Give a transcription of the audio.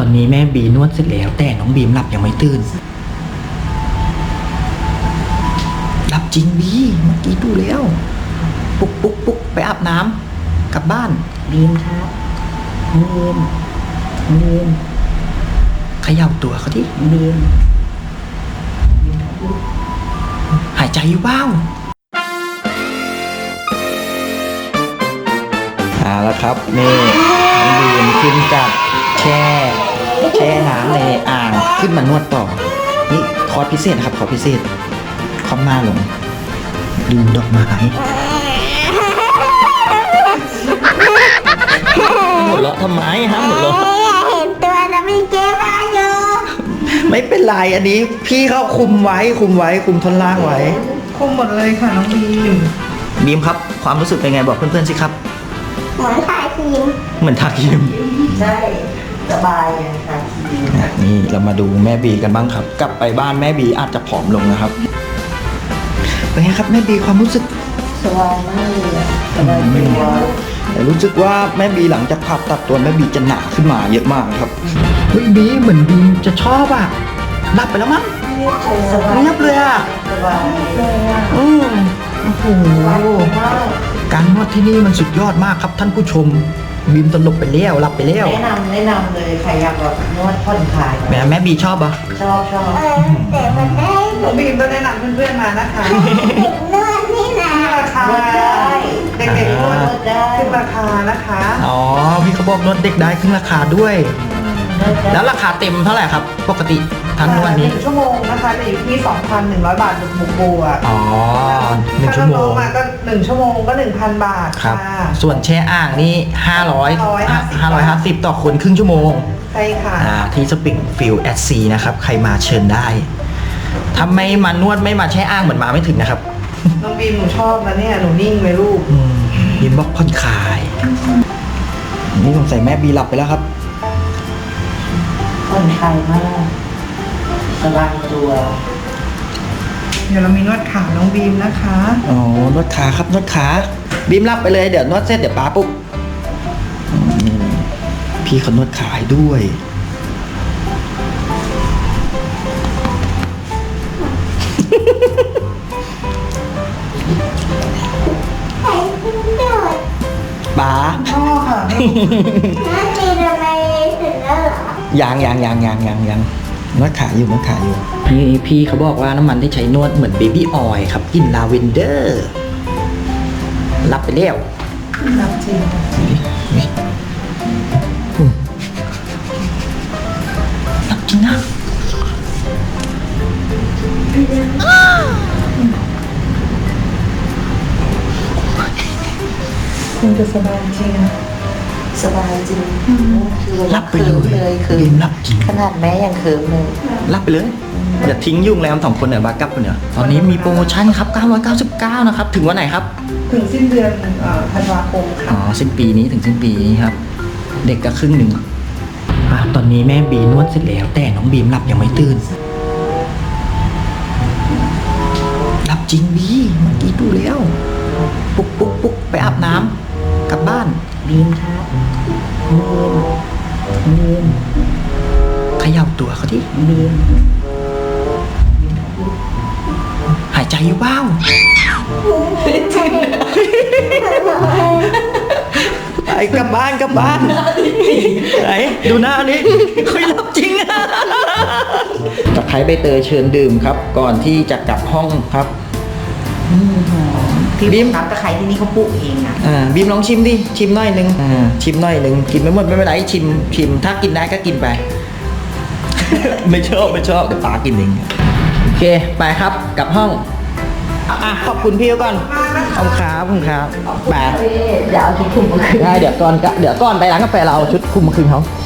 ตอนนี้แม่บีนวดเสร็จแล้วแต่น้องบีมหลับยังไม่ตื่นหลับจริงบีเมื่อกี้ดูแล้วปุ๊กไปอาบน้ำกลับบ้านบีมครับบีมเขย่าตัวเขาที่บีมหายใจอยู่บ้างแล้วครับนี่น้องบีมขึ้นจากแช่น้ำในอ่างขึ้นมานวดต่อนี่คอร์สพิเศษนะครับคอร์สพิเศษคอมหน้าลงดูดอกไม้หมดแล้วทำไมฮะหมดแล้วเห็นตัวแล้วมีเจ๊มาอยู่ไม่เป็นไรอันนี้พี่เขาคุมท่อนล่างไว้คุมหมดเลยค่ะน้องบีมบีมครับความรู้สึกเป็นไงบอกเพื่อนๆสิครับเหมือนถ่ายครีมเหมือนทาครีมใช่สบายเลยค่ะครีมนี่เรามาดูแม่บีกันบ้างครับ กลับไปบ้านแม่บีอาจจะผอมลงนะครับเป็นไงครับแม่บีความรู้สึกสบายมากเลยอะสบายตัวแต่รู้สึกว่าแม่บีหลังจากผ่าตัดตัวแม่บีจะหนาขึ้นมาเยอะมากครับเฮ้ยบีเหมือนบีจะชอบอ่ะหลับไปแล้วมั้งสบายเงียบเลยอ่ะสบายเลยอะโอ้โหสบายมากการนวดที่นี่มันสุดยอดมากครับท่านผู้ชมบีมตลบไปแล้วหลับไปแล้วแนะนำเลยใครอยากแบบนวดผ่อนคลายแม่บีชอบอ่ะชอบแต่มันได้น้องบีมก็แนะนำเพื่อนๆมานะคะนวดนี่นะราคาเด็กๆนวดได้ขึ้นราคานะคะอ๋อพี่เขาบอกนวดเด็กได้ขึ้นราคาด้วย แล้วราคาเต็มเท่าไหร่ครับ ปกติทั้งนวดนี้ 1 ชั่วโมงนะคะจะอยู่ที่ 2,100 บาทบวกบวกอ๋อหนึ่งชั่วโมถ้าง น้องๆมาก็1 ชั่วโมงก็ 1,000 บาทครับค่ะส่วนแช่อ่างนี่550ต่อคนครึ่งชั่วโมงใช่ค่ะที่สปริงฟิลแอดซีนะครับ ใครมาเชิญได้ ถ้าไม่มานวดไม่มาแช่อ่างเหมือนมาไม่ถึงนะครับน้องบีมหนูชอบนะเนี่ยหนูนิ่งไหมลูกยินบอกผ่อนคลาย นี่สงสัยแม่บีหลับไปแล้วครับผ่อนคลายมากสบายตัวเดี๋ยวเรามีนวดขาน้องบีมนะคะอ๋อนวดขาครับนวดขาบีมหลับไปเลยเดี๋ยวนวดเสร็จเดี๋ยวป้าปุ๊บพี่เขานวดขาให้ด้วย ป๋าพ่อค่ะน่าจะทำไมถึงแล้วเหรอยังนวดขาอยู่พี่เขาบอกว่าน้ำมันที่ใช้นวดเหมือนเบบี้ออยล์ครับกลิ่นลาเวนเดอร์รับไปแล้วรับจริงรับจริงนะคงจะสบายจริงนะสบายจริงคือรับไปเลยคือบีมรับจริงขนาดแม่ยังเคิมเลยรับไปเลยอย่าทิ้งยุ่งแล้ว2คนเนี่ยบากับเนี่ยตอนนี้มีโปรโมชั่นครับ999นะครับถึงวันไหนครับถึงสิ้นเดือนธันวาคมอ๋อค่ะสิ้นปีนี้ถึงสิ้นปีนี้ครับ เด็กก็ครึ่งหนึ่งตอนนี้แม่บีนวดเสร็จแล้วแต่น้องบีมหลับยังไม่ตื่นหลับจริงบีเมื่อกี้ดูแล้วปุ๊กไปอาบน้ำกลับบ้านบีมครับบีมเขย่าตัวเขาที่บีมหายใจอยู่บ้างไปกลับบ้านไหนดูหน้านี้คุยรับจริงตะไคร้ใบเตยเชิญดื่มครับ ก่อนที่จะกลับห้องครับที่บีมน้ำตะไคร้ที่นี่เขาปลูกเองนะบีมลองชิมดิชิมหน่อยนึงชิมหน่อยนึงกินไม่หมดไม่เป็นไรชิมถ้ากินได้ก็กินไป ไม่ชอบเดี๋ยวป๋ากินเองโอเคไปครับกลับห้องขอบคุณพี่ก่อนขอบคุณครับไปเดี๋ยวเอาชุดคลุมมาคืนได้เดี๋ยวก่อนไปร้านกาแฟเราเอาชุดคลุมมาคืนเขา